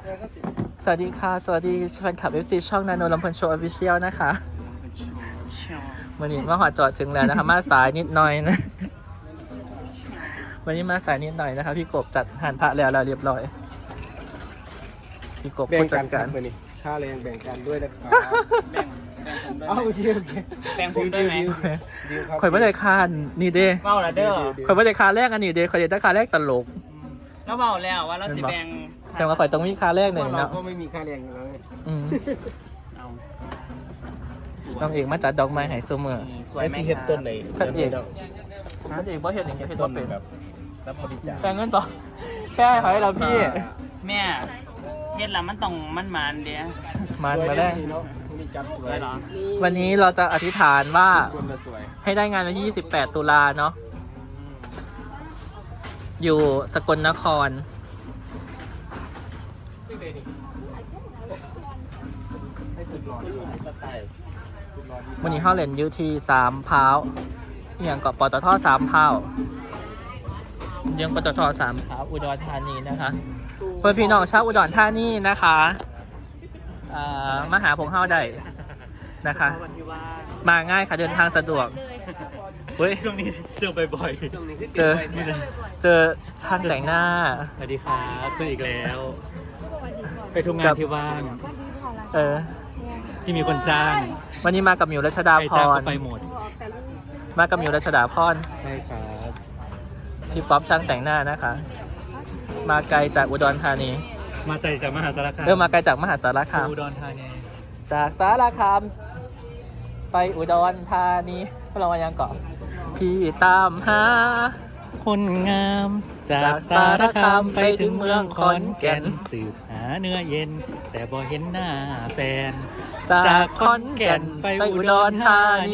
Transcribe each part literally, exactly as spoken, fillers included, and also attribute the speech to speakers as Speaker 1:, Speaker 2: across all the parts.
Speaker 1: สวัสดีค่ะสวัสดีแฟนคลับ เอฟ ซี ช่องนาโนลำเพลินโชว์ออฟฟิเชียลนะคะวันนี้มาหอจอดถึงแล้วนะคะมาสายนิดหน่อยนะวันนี้มาสายนิดหน่อยนะคะพี่กบจัดหันพระแล้วเราเรียบร้อยพี่กบ
Speaker 2: แบ่ง
Speaker 1: จั
Speaker 2: กั
Speaker 1: ด
Speaker 2: น
Speaker 1: การ
Speaker 2: ไปนี่ค่าแรงแบ่งกันด้วยนะครับ
Speaker 3: แบ่งแบ่งผมด้วย
Speaker 2: เอาโอเคโอเค
Speaker 3: แบ่งผมด้วยไหม
Speaker 2: ดีลครับ
Speaker 1: ข่อยไม่ได้คานนี่เด้
Speaker 3: เบ้าละเด้อ
Speaker 1: ข่อยไม่ได้คาแรกอันนี้เด้ข่อยได้คาแรกตลก
Speaker 3: แล้วเบ้าแล้วว่าเราจะแบ่ง
Speaker 1: แสดงว่าข่อยต้องมีคาแรกหนึ่ง
Speaker 2: เรา
Speaker 1: เนาะ
Speaker 2: ก็ไม่มีค่าแรงอยู่แล้วไง
Speaker 1: อืม
Speaker 3: เอา
Speaker 1: น้องเอกมาจัดดอกไม้ให้เสมอ
Speaker 3: สวยไหม
Speaker 2: ไอ้สิเฮ็ดต้นไหน
Speaker 1: พระเอก
Speaker 2: เนาะ
Speaker 1: น้องเอกบ่เห็นอย่างเงี้ยเห็น
Speaker 2: ต้
Speaker 1: ว่าน เป็น
Speaker 2: แบบรับบริจาค
Speaker 1: แต่เงินต่อแค่ให้เราพี่
Speaker 3: แม่เฮ็ดแล้วมันต้องมันมันเดียว
Speaker 1: มัน
Speaker 2: สวย
Speaker 1: มา
Speaker 2: ได้
Speaker 1: ได้
Speaker 2: เนาะมีจัดส
Speaker 3: ส
Speaker 2: ว
Speaker 3: วย ยเหรอ
Speaker 1: วันนี้เราจะอธิษฐานว่า
Speaker 2: คนละสวย
Speaker 1: ให้ได้งานวันที่ยี่สิบแปดตุลาเนาะอยู่สกลนคร
Speaker 2: ให้สุดหล่อสไตล์สุดหล่อดี
Speaker 1: วันนี้เข้าเล่นอยูทีสามพร้าวอหย่างเกาะปตทสามพร้าวยังปตทสามพร้าวอุดรธานีนะคะเพื่อนพี่น้องชาวอุดรธานีนะคะอ่ามาหาผมเข้าได้นะคะ
Speaker 3: วันที่ว่า
Speaker 1: มาง่ายค่ะเดินทางสะดวกเฮ้ย
Speaker 3: ช่วงนี้เจอบ่อย
Speaker 1: เจอเจอช่างแต่งหน้า
Speaker 3: ๆสวัสดีครับเจออีกแล้ว ไปทุกงานที่ว่าง
Speaker 1: เออ
Speaker 3: ที่มีคนจ้าง
Speaker 1: วันนี้มากับหมิวรัชดา
Speaker 3: ใคร
Speaker 1: พ
Speaker 3: จ้าง
Speaker 1: ร
Speaker 3: ก็ไปหมด
Speaker 1: มากับหมิวรัชดาพร
Speaker 3: ใช่ครับ
Speaker 1: พี่ป๊อปช่างแต่งหน้านะคะ มาไกลจากอุดรธานี
Speaker 3: มาใจจากมหาสารคาม
Speaker 1: เริ่มมาไกลจากมหาสารคาม
Speaker 3: อุดรธานี
Speaker 1: จากสารคามไปอุดรธานีเรามายังเกาะพี่ตามหา
Speaker 3: คนงามจากสารคามไปถึงเมืองขอนแก่นสืบหาเนื้อเย็น แต่บ่เห็นหน้าแฟน
Speaker 1: จากขอนแก่นไปอุดรธานี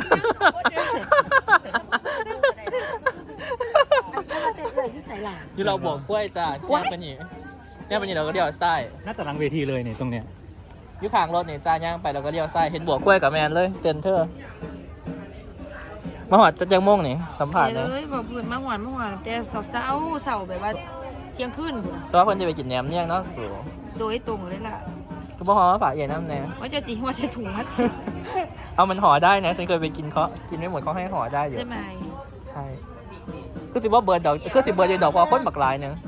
Speaker 1: ที่เราบอกกล้วยจ้าเนี่ยเป็นอย่างเนี่ยเป็นอย่างเราก็เลี้ยวซ้าย
Speaker 3: น่าจะหลังเวทีเลยเนี่ยตรงเนี้ย
Speaker 1: อยุคางรถเนี่ยจ้าย่างไปเราก็เลี้ยวซ้ายเห็นบวกกล้วยกับแมนเลยเต็นเธอมาหอดจะยังม่งนี่สัมผัส
Speaker 4: เล
Speaker 1: เลย
Speaker 4: ยบอกเพื่อนมาหวานมาหวานแต่เสาเสาเสาแบบว่าเที่ยงคืนพุ่นน่ะ
Speaker 1: จะว่าเพิ่นจะไปกินแหนมเนี่ยงเนาะสู
Speaker 4: โดยตรงเลยล่ะ
Speaker 1: ก็บอกว่าฝากใหญ่น้ำแหนม
Speaker 4: ว่าจะจีว่าจะถุงมัด
Speaker 1: เอามันห่อได้นะฉันเคยไปกินเขากินไม่หมดเขาให้ห่อได้อยู่
Speaker 4: ใช่ไหม
Speaker 1: ใช่คือสิว่าเบิร์ดดอกคือสิเบิร์ดเดดดอกพอคนบักหลายหนึง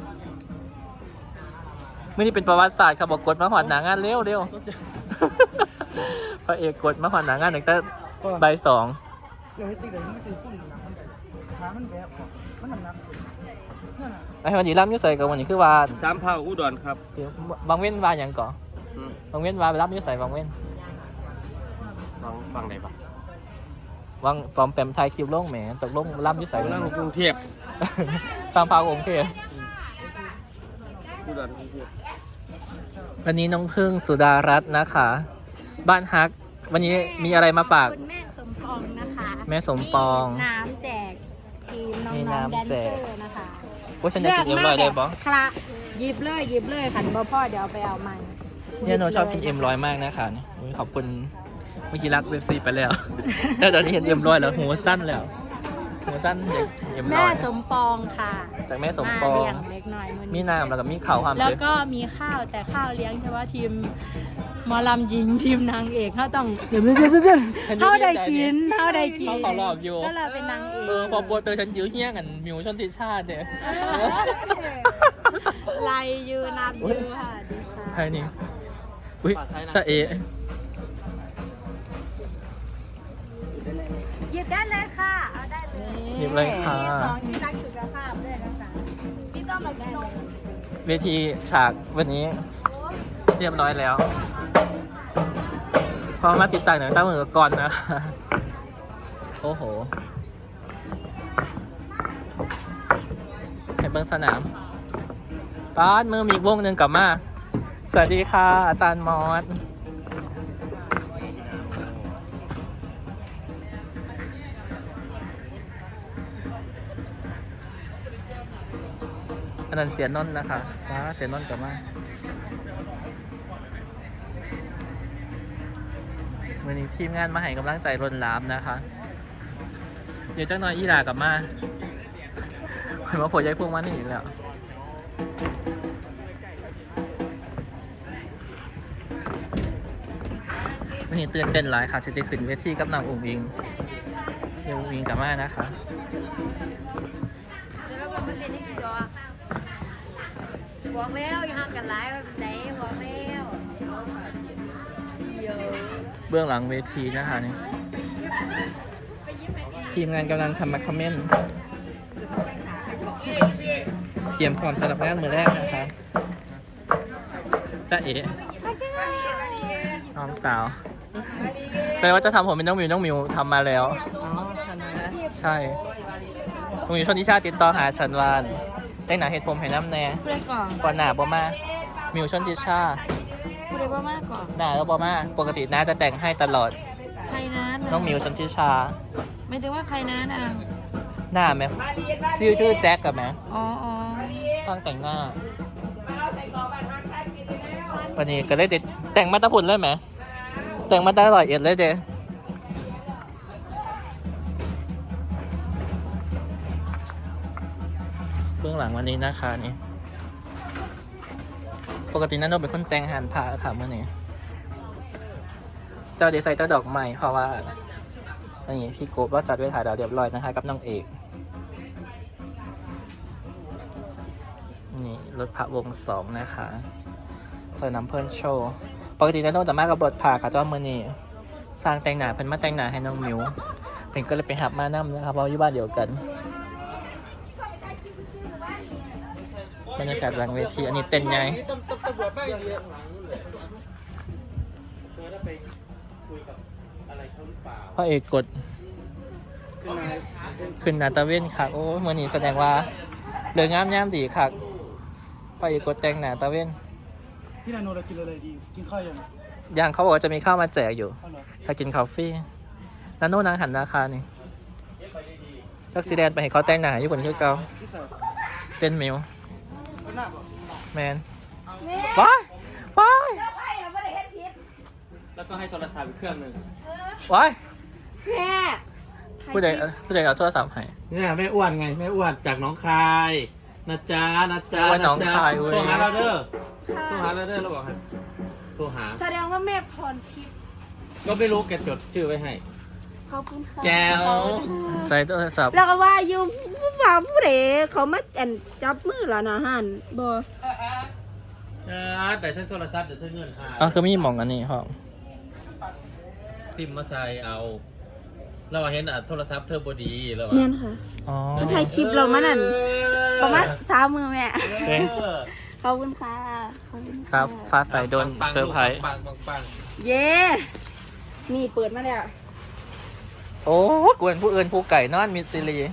Speaker 1: มื่อนี้เป็นประวัติศาสตร์ครับบอกกดมาหอดหนางานเร็วเร็ว พระเอกกดมาหอดหนางานตั้งแต่บ่ายสอง
Speaker 2: เดี๋ยวให้ติ๊กเดี๋ยวให้ติ๊กพุ่งหนักมันขามันแบบมันหนักหนัก
Speaker 1: ไอ้วันนี้ร่ำอยุ่ใส่กับวันนี้คือว่า
Speaker 2: สามเผาอุดรครับ
Speaker 1: เดี๋ยวบางเว้นว่าอย่างก่อนบางเว้นว่าไปร่ำอยุ่ใส่บางเว้น
Speaker 2: ฟังฟังได้ปะ
Speaker 1: วางปลอมแปมไทยคิวโล่งแหมตกลงร่ำอยุ่ใส่
Speaker 2: นั่งกรุงเทพ
Speaker 1: สามพาวองค์เทพ
Speaker 2: อุดรกรุงเทพ
Speaker 1: วันนี้น้องพึ่งสุดารัตน์นะคะ บ้านฮัก วันนี้มีอะไรมาฝาก
Speaker 5: คุณแม่สมปองนะคะ
Speaker 1: แม่สมปอง
Speaker 5: มีน้ำแจกทีมน้
Speaker 1: มี
Speaker 5: องๆ
Speaker 1: น้ำ
Speaker 5: แดน
Speaker 1: แจ
Speaker 5: เซ
Speaker 1: ก
Speaker 5: อร์นะคะ
Speaker 1: ว่าฉันจะกินเอ็มลอยได้ปะ
Speaker 5: คละหยิบเลยหยิบเลยขันบ่พ่อเดี๋ยวเอาไปเอามัน
Speaker 1: เนี่ยโนชอบกินเอ็มร้อยมากนะคะเนี่ยอุ๊ยขอบคุณเมื่อกี้รักเว็บซีไปแล้ว แล้วตอนนี้เห็นเอ็มร้อยแล้วหูสั้นแล้วหูสั้นเด็กเอ็มร้
Speaker 5: แม่
Speaker 1: อย
Speaker 5: สมปองค่ะ
Speaker 1: จากแม่สมป
Speaker 5: า
Speaker 1: อง
Speaker 5: เลี้ยงเล็กน้อยมื้อ
Speaker 1: มี
Speaker 5: นี้
Speaker 1: น้ำแล้วก็มีข่าวความ
Speaker 5: แล้ว
Speaker 1: เยอะ
Speaker 5: ก็มีข้าวแต่ข้าวเลี้ยงเฉพาะทีมหมอลำหญิงทีมนางเอกเขาต้องเดี๋ยวเดี๋ยวเดี๋ยวเดี๋ยวเขาได้กินเขาได้กิน
Speaker 1: เขาเขารอบอยู่
Speaker 5: ก็เราเป็นนางเอก
Speaker 1: เออพอโปรเตอร์ฉันยื้อเหี้ยกันมิวชนทิชาติเนี่ย
Speaker 5: ไล่ยืนนับยืนค่ะดีค่ะ
Speaker 1: ใครนี่อุ้ยจะเอ
Speaker 5: หยิบได้เลยค่ะ เอาได้เลย
Speaker 1: หยิบเลยค่ะ
Speaker 5: ของอยู่ตั้งสุขภาพด้วยนะคะพี่ต้อมมากินนม
Speaker 1: เวทีฉากวันนี้เรียบร้อยแล้ว พอมาติดตั้งหนังตั้งมือก่อนนะ โอ้โหให้เบิ้งสนามป้านมือมีอีกวงหนึ่งกลับมา สวัสดีค่ะ อาจารย์มอสอันนั้นเสียนนท์นะคะป้าเสียนนท์กลับมาวันนี้ทีมงานมาให้กำลังใจรนลามนะคะ เดี๋ยวเจ้าน้อยอีหลากลับมาเห็นว่าผลย้ายพวกมันนี่อีกแล้ววันนี้ตื่นเต้นหลายค่ะจะได้ขึ้นเวทีกับน้องอุ๋งอิงเดี๋ยวอุ๋งอิงกลับมานะคะ
Speaker 6: เดี๋ยวเราบอกมันเป็นนี่คือจอบอกแล้วอย่าห้ามกันไลฟ์แบบไหนบอกแล้วเดี๋ยว
Speaker 1: เบื้องหลังเวทีนะคะนี่ทีมงานกำลังทำมาคอมเมนต์เตรียมพร้อมสำหรับงานมือแรกนะคะจ้าเอ๋น้องสาวแปลว่าจะทำผมเป็นน้องมิวน้องมิวทำมาแล้ว
Speaker 4: อ๋อทำไมนะ
Speaker 1: ใช่น้องมิวชนทิชาติดต่อหาฉันวานแต่งหนาเห็ดผมให้น้ำแน่
Speaker 4: ผู้ใดก่อน
Speaker 1: ก่อนหนาบ่มามิวชนทิชา
Speaker 4: ผู้ใดว่ามากก่อน
Speaker 1: หนาแล้วบ่มาปกติน้าจะแต่งให้ตลอด
Speaker 4: ใครนั้น
Speaker 1: น้องมิวชนทิชา
Speaker 4: ไม่ถึงว่าใครนั้นอ่ะ
Speaker 1: หน้าไหมชื่อชื่อแจ็คกับไหม
Speaker 4: อ๋ออ๋อ
Speaker 1: ช่างแต่งหน้า วันนี้ก็เลยติดแต่งมาตะพุ่นเลยไหมแต่งมาตะลอยเอ็ดเลยเด้เบื้องหลังวันนี้นะคะนี่ปกตินั่นโดเป็นคนแต่งหันผ้าค่ะเมื่อนี้เจ้าเดซไซน์เจ้าดอกไม้เพราะว่าอันนี้พี่โกบว่าจัดไว้ถ่ายดาวเรียบร้อยนะคะกับน้องเอกนี่รถพระวงสองนะคะจอยน้ำเพิ่นโชว์ปกตินั่นโดจะมากับรถผ่าค่ะเจ้ามือนี้สร้างแต่งหน้าเพิ่นมาแต่งหน้าให้น้องมิวเป็นก็เลยไปหับมานั่นะครับเพราะอยู่บ้านเดียวกันบรรยากาศหลังเวทีอันนี้เต้นไง
Speaker 2: นี่ตำตำรวจป้ายเดียว
Speaker 1: พ่อเอกกดขึ้นหนาตะเว้นค่ะโอ้มือนี้แสดงว่าเดืองามย่ามดีค่ะพ่อเอกกดแต่งหนาตะเว้น
Speaker 2: พี่นาโนเรากินอะไรดีกินข้าวยัง
Speaker 1: ยังเขาบอกว่าจะมีข้าวมาแจกอยู่
Speaker 2: ข้าวเหรอ
Speaker 1: ถ้ากินคาเฟ่นันโน่นางหันราคานี่ลักซีแดนไปเห็นเขาแต่งหนาญี่ปุ่นคือเก่า
Speaker 2: พี่ใส่
Speaker 1: เต้นมิว
Speaker 2: ข้าวหน้าบ่
Speaker 1: แมนว้ายว้าย
Speaker 3: แล้วก็ให้โทรศัพท์อีกเครื่องหนึ่ง
Speaker 1: ว้าย
Speaker 6: แม่
Speaker 1: ผู้ใดผู้ใดเอาโทรศัพท์ให้
Speaker 3: เนี่ยแม่อ้วนไงแม่อ้วนจากหน้องคายนะจ๊ะนะจ๊ะ
Speaker 1: ว่าน้องคายเว้ย
Speaker 3: โทรหาเราเด้อโทรหาเราเด้อเราบอกให้โทรหา
Speaker 6: แสดงว่าแม่พรทิพย์
Speaker 3: ก็ไม่รู้แกจดชื่อไว้ให้
Speaker 6: ขอบคุณค่ะ
Speaker 3: แก้ว
Speaker 1: ใส่โทรศัพท์
Speaker 6: แล้วก็ว่าอยู่ว่าผู้ใดเขามาแอนจับมือแล้วนะฮันบ่
Speaker 3: เออแต่ฉันโทรศัพท์เดี๋ยวเธอเงินหาย
Speaker 1: อ๋อคือไม่มีหมองอันนี้ครับ
Speaker 3: ซิมมาใส่เอาเราเห็นอ่ะโทรศัพท์เธอบดีแล้ว
Speaker 6: แม่นค่ะ
Speaker 1: อ๋อ
Speaker 6: มันถ่ายคลิปเรามานั่นประมาณสามมือแม่
Speaker 1: เจ๊
Speaker 6: ขอบคุณค่ะขอบคุณ
Speaker 1: ครั
Speaker 6: ค่ะ
Speaker 1: บฟ้าใสโดนเซอร์ไพรส์
Speaker 3: ปังปังปัง
Speaker 6: เย้นี่เปิดมาแล้ว
Speaker 1: โอ้กวนผู้อื่นผู้ไก่นอนมิสซิลี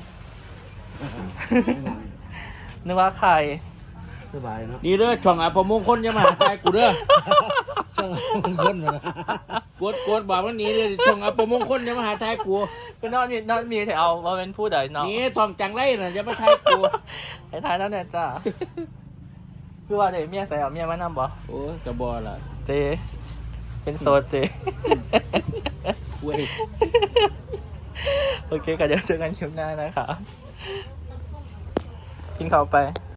Speaker 1: นึกว่าใคร
Speaker 2: สบายเนาะ
Speaker 3: นี่เด้อช่องอัปมงคลจะมาหาใครกูเด้อ
Speaker 2: ช่างมันพ้นมาแล้ว
Speaker 3: กดกดบอกว่านี้เลยช่องอัปมงคลจะมาหาทายกู
Speaker 1: ก็นอนมีนอนมีแต่เอามาเป็นผู้ใดเนาะ
Speaker 3: นี่ทองจังไรน่ะจะมาทายกู
Speaker 1: ไอ้ทายนั่นเนี่ยจ้าคือว่าเดี๋ยวเมียใส่เอาเมียมานำบ่
Speaker 3: โอ้ยกระบอล่ะ
Speaker 1: เจเป็นโซดเจ
Speaker 3: เว้ย
Speaker 1: โอเคก็เดี๋ยวเจอกันคลิปหน้านะคะกินข้าวไป